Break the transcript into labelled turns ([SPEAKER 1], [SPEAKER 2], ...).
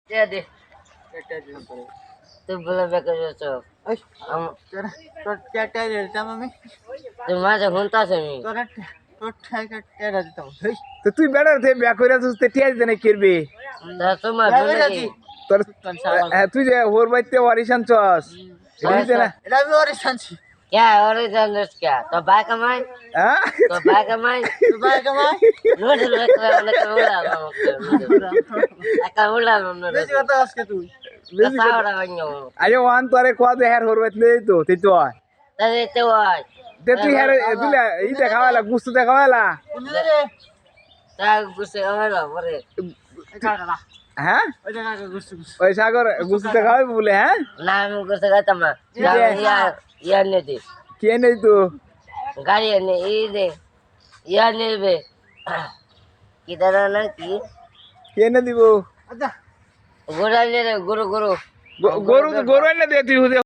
[SPEAKER 1] दे दे तू बोला बेकर जो हम
[SPEAKER 2] तो क्या देता मम्मी
[SPEAKER 1] तू माझ्या म्हणतास मी
[SPEAKER 2] तो ठाई का टेरा देता हूँ
[SPEAKER 3] তো তুই বেড়ার থেকে ব্যাক করে তুই টিয়া দিতে না কিরবি
[SPEAKER 1] तर तुम्हा
[SPEAKER 2] जाती
[SPEAKER 3] তোর হ্যাঁ তুই যে ওর বাড়িতে অরিশান চস দিতে না
[SPEAKER 2] এটা আমি ওরে শান্তি
[SPEAKER 1] क्या ओरिजिनल क्या तो बाय कमाई
[SPEAKER 3] হ্যাঁ
[SPEAKER 1] तो बाय कमाई
[SPEAKER 2] तो बाय कमाई
[SPEAKER 1] नूडल बेकर बेकर उड़ा aka ulah nूडल
[SPEAKER 2] बेच करता उसके तू
[SPEAKER 1] सावरा बन्यो
[SPEAKER 3] আরে ওয়ান তোরে কোয়া দে হের ওর বাড়িতে তো তুই তো
[SPEAKER 1] तरी ते वाय
[SPEAKER 3] তে তুই হের তুই ই দেখাওয়ালা গুস্তু দেখাওয়ালা
[SPEAKER 2] उन्हें रे
[SPEAKER 1] ता गुसे आला बरे
[SPEAKER 2] काका
[SPEAKER 3] হ্যাঁ
[SPEAKER 2] ওই জায়গা গুস্তু গুস্তু
[SPEAKER 3] ওই সাগর গুস্তু দেখাওয়াই বলে হ্যাঁ
[SPEAKER 1] नाम गुसे का तमा या ने दे
[SPEAKER 3] কে নেই তো
[SPEAKER 1] गाड़ी ने ई दे या ने बे किधर ना की
[SPEAKER 3] কে না দিব
[SPEAKER 2] আচ্ছা
[SPEAKER 1] गोरा ने रे गुरु गुरु
[SPEAKER 3] গরু গরু এনে দে তুই